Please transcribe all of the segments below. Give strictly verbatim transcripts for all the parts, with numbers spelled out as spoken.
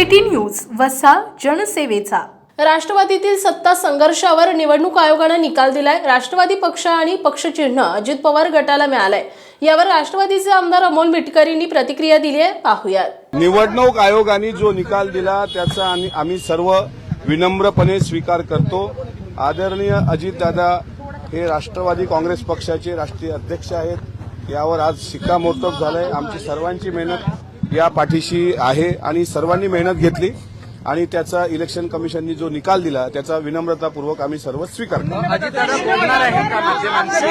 City news वसा जनसेवेचा। राष्ट्रवादीतील सत्ता संघर्षावर निवडणूक आयोगाने निकाल दिलाय। राष्ट्रवादी पक्ष आणि पक्षचिन्ह अजित पवार गटाला मिळालंय। यावर राष्ट्रवादीचे आमदार अमोल मिटकरींनी प्रतिक्रिया दिली आहे, पाहूयात। निवडणूक आयोगाने जो निकाल दिला त्याचा आम्ही सर्व विनम्रपणे स्वीकार करतो। आदरणीय अजितदादा हे राष्ट्रवादी काँग्रेस पक्षाचे राष्ट्रीय अध्यक्ष आहेत। यावर आज शिक्कामोर्तब झालंय। आमची सर्वांची मेहनत या पाठीशी आहे आणि सर्वांनी मेहनत घेतली आणि त्याचा इलेक्शन कमिशननी जो निकाल दिला त्याचा विनम्रतापूर्वक आम्ही सर्व स्वीकार करतो। अजितदादा बोलणार आहेत का माध्यमांशी?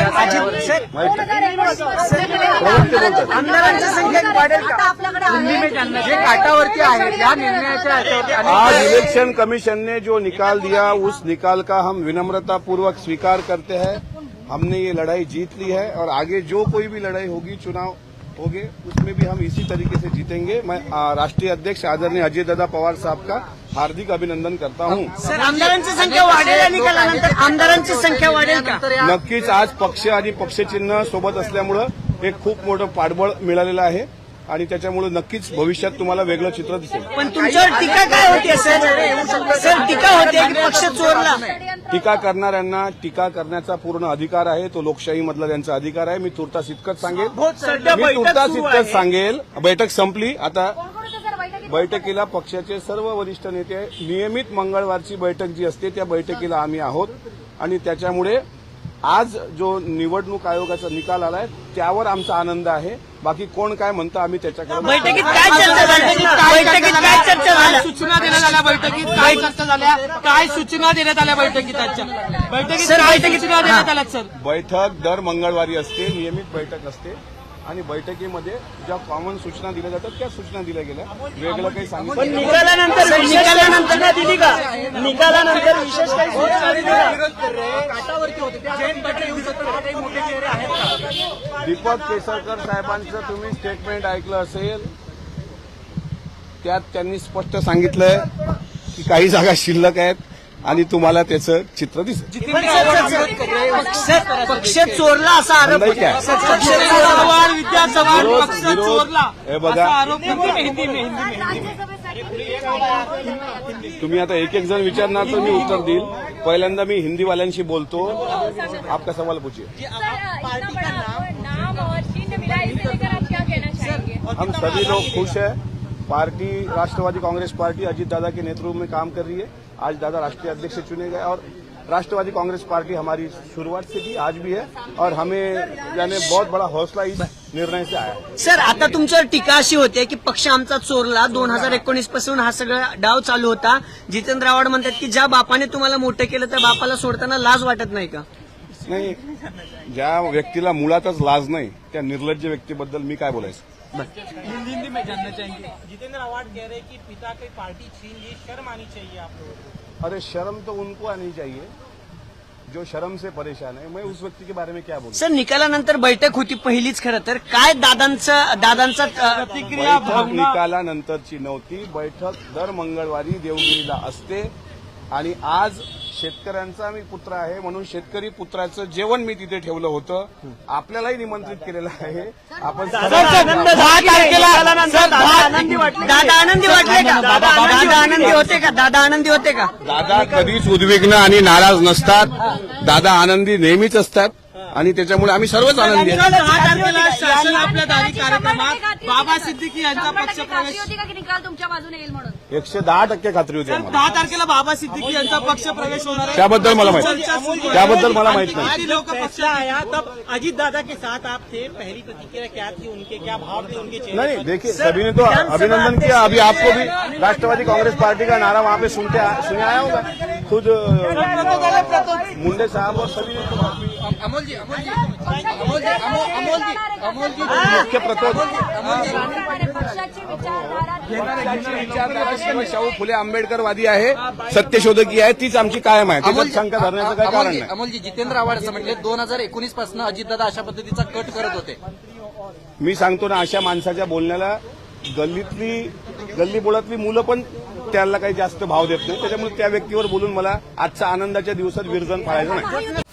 आमदारांची संख्या वाढेल का? हिंदी में जानना जे काटावरती आहे या निर्णयाच्या आधारावर आज इलेक्शन कमीशन ने जो निकाल दिया उस निकाल का हम विनम्रतापूर्वक स्वीकार करते हैं। हमने ये लड़ाई जीत ली है और आगे जो कोई भी लड़ाई होगी, चुनाव होंगे, उसमें भी हम इसी तरीके से जीतेंगे। मैं राष्ट्रीय अध्यक्ष आदरणीय अजितदादा पवार साहब का हार्दिक अभिनंदन करता हूं। सर, आमदारांची संख्या वाढेल या निकालानंतर? आमदारांची संख्या वाढेल का? नक्कीच आज पक्ष आणि पक्षचिन्ह सोबत असल्यामुळे एक खूप मोठं पाठबळ मिळालेलं आहे आणि त्याच्यामुळे नक्कीच भविष्यात तुम्हाला वेगळं चित्र दिसेल। पण तुमच्यावर टीका काय होते सर? सर, टीका होते की पक्ष चोरला? टीका करणाऱ्यांना टीका करण्याचा पूर्ण अधिकार आहे, तो लोकशाहीमधला त्यांचा अधिकार आहे। मी तुर्तास इतकंच सांगेल मी तुर्तास इतकंच सांगेल बैठक संपली। आता बैठकीला पक्षाचे सर्व वरिष्ठ नेते नियमित मंगळवारची बैठक जी असते त्या बैठकीला आम्ही आहोत आणि त्याच्यामुळे आज जो निवडणूक आयोगाचा निकाल आलाय त्यावर आमचा आनंद आहे। बाकी कोण काय म्हणतं आम्ही त्याच्याकडे बैठकीत काय चर्चा झाली? बैठकीत काय चर्चा झाल्या? सूचना देण्यात आल्या बैठकीत काय चर्चा झाल्या? काय सूचना देण्यात आल्या बैठकीत? आजच्या बैठकीत सर, काय बैठकीत- सूचना देण्यात आल्या सर? बैठक दर मंगळवारी असते, नियमित बैठक असते आणि बैठकीमध्ये ज्या कॉमन सूचना दिल्या जातात त्या सूचना दिल्या गेल्या। वेगळं काही पण सांगितलं निकालानंतर निकालानंतर ना दिली का? निकालानंतर विशेष काही सूचना दिली का? काटावरती होते जयंत पाटील येऊ शकतात, काही मोठे चेहरे आहेत का? दीपक केसरकर साहेबांचं तुम्ही स्टेटमेंट ऐकलं असेल, त्यात त्यांनी स्पष्ट सांगितलंय की काही जागा शिल्लक आहेत आणि तुम्हाला त्याचं चित्र दिसेल। पण सर, सर, पक्ष चोरला असा आरोप नाही काय? पक्ष चोरला. सवाल विद्या सवाल विरोध- पक्ष विरोध- चोरला हे बघा. असा आरोप हिंदी में हिंदी में हिंदी में हिंदी में तुम्ही आता एक एक जण विचारणार तर मी उत्तर देईल। पहिल्यांदा मी हिंदीवाल्यांशी बोलतो। आपका सवाल पूछिए। पार्टी का नाम और चिन्ह मिला, इसे लेकर आप क्या कहना चाहेंगे? हम सभी लोग खुश हैं। पार्टी राष्ट्रवादी कांग्रेस पार्टी अजीत दादा के नेतृत्व में काम कर रही है। आज दादा राष्ट्रीय अध्यक्ष चुने गए और राष्ट्रवादी कांग्रेस पार्टी हमारी शुरुआत से थी, आज भी है और हमें यानी बहुत बड़ा हौसला इस निर्णय से आया। सर, आता तुमच्यावर टीका अशी होते की पक्ष आमचा चोरला। दोन हजार एकोणीस पासून हा सगळा डाव चालू होता। जितेंद्र आव्हाड म्हणतात की ज्या बापाने तुम्हाला मोठं केलं त्या बापाला सोडताना लाज वाटत नाही का? नाही, ज्या व्यक्तीला मुळातच लाज नाही त्या निर्लज्ज व्यक्तीबद्दल मी काय बोलायचं? हिंदी हिंदी में जानना चाहेंगे। जितेंद्र आवाड कह रहे कि पिता की पार्टी छीन ली, शर्म आनी चाहिए आप लोगों को। अरे शर्म तो उनको आनी चाहिए जो शर्म से परेशान है। मैं उस व्यक्ति के बारे में क्या बोलूं? सर, निकालानंतर बैठक होती पहिलीच। खरं तर काय दादांचं दादांचा अ, प्रतिक्रिया बैठक भावना निकालानंतरची नव्हती। बैठक दर मंगळवारी देवगिरीला असते आणि आज शेतकऱ्यांचा मी पुत्र आहे म्हणून शेतकरी पुत्राचं जेवण मी तिथे ठेवलं होतं। आपल्यालाही निमंत्रित केलेलं आहे। आपण दहा तारखेला दादा आनंदी वाटले दादा आनंदी वाटले का? दादा आनंदी होते का? दादा आनंदी होते का? दादा कधीच उद्विग्न आणि नाराज नसतात। दादा आनंदी नेहमीच असतात आणि त्याच्यामुळे आम्ही सर्वच आनंदी दहा आहोत। तारखेला शासन आपल्या दारी कार्यक्रमात बाबा सिद्दीकी यांचा पक्ष खात्री प्रवेश होती का की निकाल तुमच्या बाजूने येईल म्हणून? एकशे दहा टक्के खात्री होती आम्हाला। दहा तारखेला बाबा सिद्दीकी यांचा पक्ष प्रवेश होणार आहे। त्याबद्दल मला माहित चर्चा सुरू आहे। त्याबद्दल मला माहित नाही। किती लोक पक्ष आया तब अजीत दादा के साथ आप थे, पहली प्रतिक्रिया क्या थी उनके, क्या भाव थे उनके चेहरे नहीं पर? देखिए, सभी ने तो अभिनंदन किया। अभी आपको भी राष्ट्रवादी कांग्रेस पार्टी का नारा वहाँ पे सुनते सुने आया होगा। खुद मुंडे साहब और सभी ने तो अमोल जी अमोल जी अमोल जी अमोल जी अमोल जी मुख्य प्रतोद पक्षाची विचारधारा विचारधारा शाहू फुले आंबेडकरवादी आहे, सत्यशोधकी आहे, तीच आमची कायम आहे। त्याच्यात शंका धरण्याचं काही कारण नाही। अमोलजी, जितेंद्र आव्हाड असं म्हटले दोन हजार एकोणीस पासून अजितदादा अशा पद्धतीचा कट करत होते। मी सांगतो ना, अशा माणसाच्या बोलण्याला गल्लीतली गल्ली बोळातली मुलं पण त्याला काही जास्त भाव देत नाही। त्याच्यामुळे त्या व्यक्तीवर बोलून मला आजच्या आनंदाच्या दिवसात विरजन पाळायचं नाही।